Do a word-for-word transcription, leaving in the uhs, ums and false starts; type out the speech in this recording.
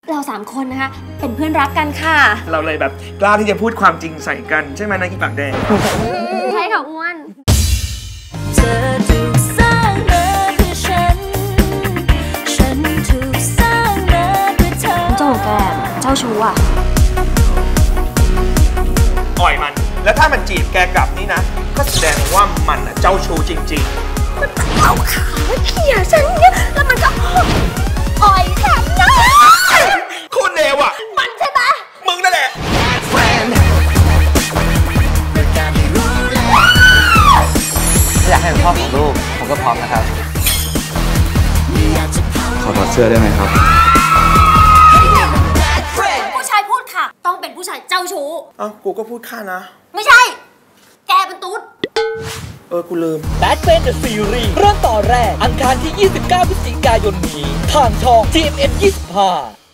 เราสามคนนะคะเป็นเพื่อนรักกันค่ะเราเลยแบบกล้าที่จะพูดความจริงใส่กันใช่ไหมนายอีปากแดงใช่ค่ะอ้วนเธอถูกสร้างมาเพื่อฉันฉันถูกสร้างมาเพื่อเธอเจ้าแกเจ้าชู้อ่ะอ่อยมันแล้วถ้ามันจีบแกกลับนี่นะก็แสดงว่ามันเจ้าชู้จริงๆมันเอาขาเขี่ยฉันเนี่ยแล้วมันก็อ่อยฉันนะคุณเลวอ่ะมันใช่ปะมึงนั่นแหละอยากให้เป็นพ่อของลูกผมก็พร้อมนะครับขอถอดเสื้อได้ไหมครับผู้ชายพูดค่ะต้องเป็นผู้ชายเจ้าชู้อ้าวกูก็พูดค่านะไม่ใช่แกเป็นตุ๊ดเออกูลืม Bad Friend The Series เริ่มต่อแรกอังคารที่ยี่สิบเก้าพฤศจิกายนนี้ทางช่อง ที เอ็ม เอ็ม ยี่สิบห้า